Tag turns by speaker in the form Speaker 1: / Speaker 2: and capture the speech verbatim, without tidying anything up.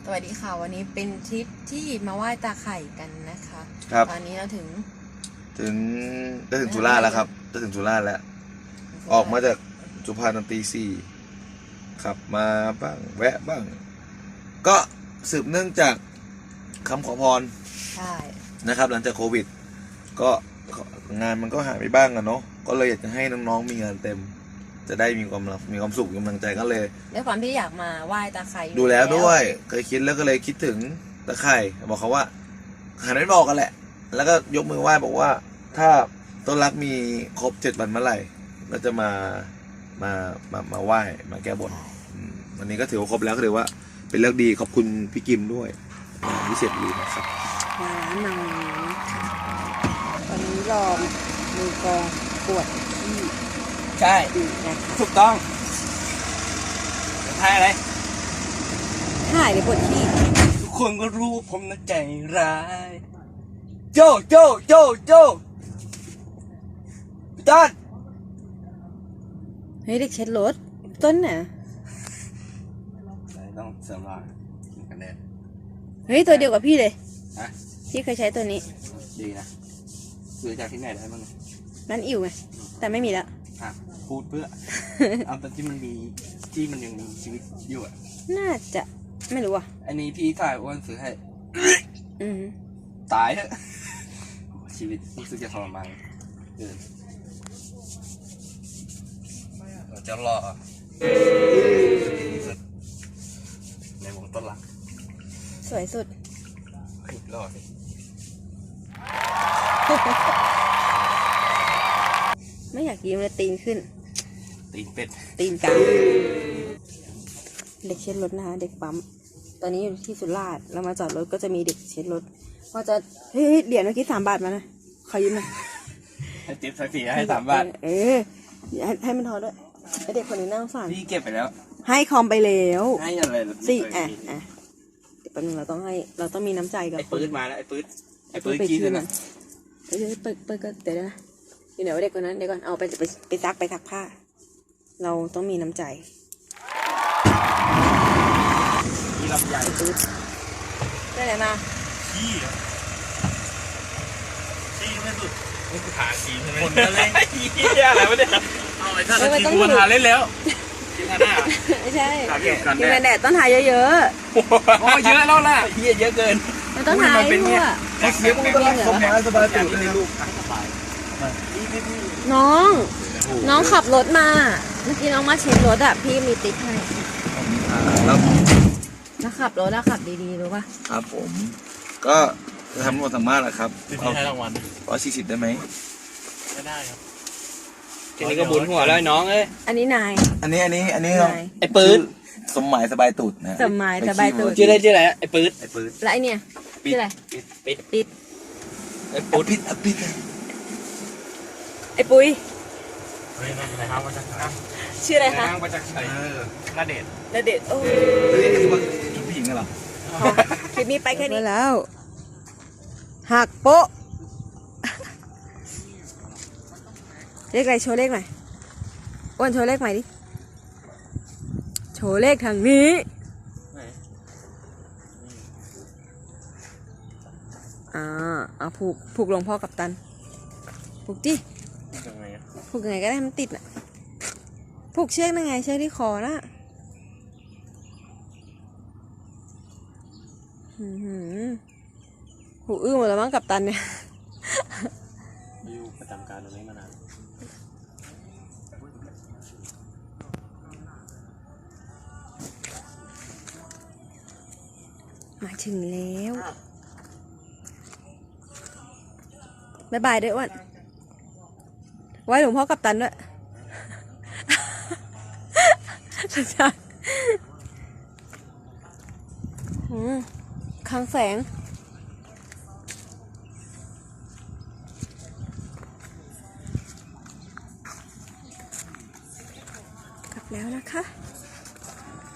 Speaker 1: สวัสดีค่ะวันนี้เป็นทริปที่มาไหว้ตาไข่กันนะคะ
Speaker 2: ครับ
Speaker 1: ตอนนี้เราถึง
Speaker 2: ถึงจะถึงสุราษฎร์แล้วครับจะถึงสุราษฎร์แล้วออกมาจากสุพรรณตอนตีสี่ขับมาบ้างแวะบ้างก็สืบเนื่องจากคำขอพร
Speaker 1: ใช่
Speaker 2: นะครับหลังจากโควิดก็งานมันก็หายไปบ้างอะเนาะก็เลยอยากจะให้น้องๆมีงานเต็มจะได้มีความมีความสุขมีกำลังใจก็เลย
Speaker 1: ด้วยความที่อยากมาไหว้ตาไข่
Speaker 2: ดูแล้วด้วยเคยคิดแล้วก็เลยคิดถึงตาไข่บอกเขาว่าหันไปบอกกันแหละแล้วก็ยกมือไหว้บอกว่าถ้าต้นรักมีครบเจ็ดวันเมื่อไหร่ก็จะมามามามาไหว้มาแก้บนวันนี้ก็ถือว่าครบแล้วก็ถือว่าเป็นเรื่องดีขอบคุณพี่กิมด้วยพิเศษดีนะครับ
Speaker 1: มาร้านนางตอนนี้รอมือกองปวดที่
Speaker 3: ใช่ถูกต้องถ่ายอะไร
Speaker 1: ถ่ายเลยปวดที่
Speaker 3: ทุกคนก็รู้ผมน่ะใจร้ายโจโจโจโจพี่ต้น
Speaker 1: เฮ้ยเด็กเช็ดรถต้นน่ะ
Speaker 3: ต้องเสริมรอยกินกันแดด
Speaker 1: เฮ้ยตัวเดียวกับพี่เลย
Speaker 3: ฮะ
Speaker 1: พี่เคยใช้ตัวนี้
Speaker 3: ดีนะซื้อจากที่ไหนได้บ้าง
Speaker 1: ร้านอิ่วไงแต่ไม่มีแล้ว
Speaker 3: อ่ะพูดเพื่อ เอาตอนที่มันมีที่มันยังมีชีวิตอยู่อ่ะ
Speaker 1: น่าจะไม่รู้อ่ะ
Speaker 3: อันนี้พี่ถ่ายอ้วนซื้อให้
Speaker 1: อืม
Speaker 3: ตายเถอะชีวิตรู้สึกจะทรมานเกินเราจะรอในวงต้นหลัก
Speaker 1: สวยสุด
Speaker 3: รอสิ
Speaker 1: ไม่อยากยิ้มเลยตีนขึ้น
Speaker 3: ตีนเป็ด
Speaker 1: ตีนกลางเด็กเช็ดรถนะคะเด็กปั๊มตอนนี้อยู่ที่สุราษฎร์เรามาจอดรถก็จะมีเด็กเช็ดรถพอจะเฮ้ยเหรียญเมื่อกี้สามบาทมานะขอยืมหน่อย
Speaker 3: ให้เจ็บสักทีให้สามบาท
Speaker 1: เออให้ให้มันทอด้วยไอเด็กคนนี้นั่งฝัน
Speaker 3: พี่เก็บไปแล้ว
Speaker 1: ให้คอมไปแล้ว
Speaker 3: ให้อะไร
Speaker 1: สิอ่ะอ่ะเดี๋ยวแป๊บนึงเราต้องให้เราต้องมีน้ำใจกับ
Speaker 3: ไอ้ปืนมาแล้วไอ้ปืนไอ้ปืนกี้เลยนะ
Speaker 1: เฮ้ยเปิดเปิดก็เดี๋ยวนะเดี๋ยวเด็กคนนั้นเดี๋ยวก่อนเอาไปไปไปซักไปซักผ้าเราต้องมีน้ำใจ
Speaker 3: มีลำใหญ่
Speaker 1: ปืนได้ไหนมา
Speaker 3: ขี้ขี้ไม่สุดนี่คือขาขี้ใช่ไหมคนอะไรขี้อะไรวะเนี่ยเอาไอ้ท่านขี้กูมาทานเล่นแล้วขี้ทานหน้า
Speaker 1: ไม่ใช่กินแดดต้นหายเยอะ
Speaker 3: ๆโอ้เยอะแล้วล่ะเยอะเยอะเกิน
Speaker 1: มันต้นหายทั่ว
Speaker 2: เขาเสียมึงก็รักสบายสบายตื่นเลยลูก
Speaker 1: น้องน้องขับรถมาเมื่อกี้น้องมาเช็ดรถอ่ะพี่มีติ๊กให้
Speaker 2: แล้ว
Speaker 1: แล้วขับรถแล้วขับดีๆรู้ป่ะ
Speaker 2: ครับผมก็จะทำรวมสามารถแหละครับ
Speaker 3: เอาให้รางวัล
Speaker 2: ร้อยสี่สิบได้ไหม
Speaker 3: ไม่ได้ครับทีนี้ก็บุญหัวแล้วน้องเอ้ย
Speaker 1: อันนี้นาย
Speaker 2: อันนี้อันนี้อันนี้
Speaker 3: ไอ้ปืน
Speaker 2: สมหมายสบายตูดนะ
Speaker 1: สมหมายสบายตูด
Speaker 3: ชื่ออะไรชื่ออะไรไอ้ปืน
Speaker 2: ไอ้ปืน
Speaker 1: แล้วไอเนี่ยชื่ออะไร
Speaker 3: ปิด
Speaker 1: ปิด
Speaker 3: ไอ้ปุ้ย
Speaker 2: ปิดปิด
Speaker 1: ไอ้ปุ้ย
Speaker 3: เฮ้ยอะไรครับมาจากไหน
Speaker 1: ชื่ออะไรคะ
Speaker 3: มาจากไหนนาเดช
Speaker 1: นาเดชโอ้
Speaker 2: นี่คือว่าจุดผู้หญิงเหรอ
Speaker 1: คลิปนี้ไปแค่นี้แล้วหักโป๊ะเลขอะไรโชว์เลขหน่อยอ้วนโชว์เลขใหม่ดิโชว์เลขทางนี้อ่าเอาผูกผูกลงพ่อกับตันผูกดิผูกยังไงก็ได้มันติดน่ะผูกเชือกยังไงเชือกที่คอนะหูอื้อหมดแล้วมั้งกับตันเนี่ย
Speaker 3: อยู่ประจำการตรงนี้มานาน
Speaker 1: มาถึงแล้วบ๊ายบายด้วยอ้วนไว้หลวงพ่อกับตันด้วยสุดยอดคลังแสงกลับแล้วนะคะ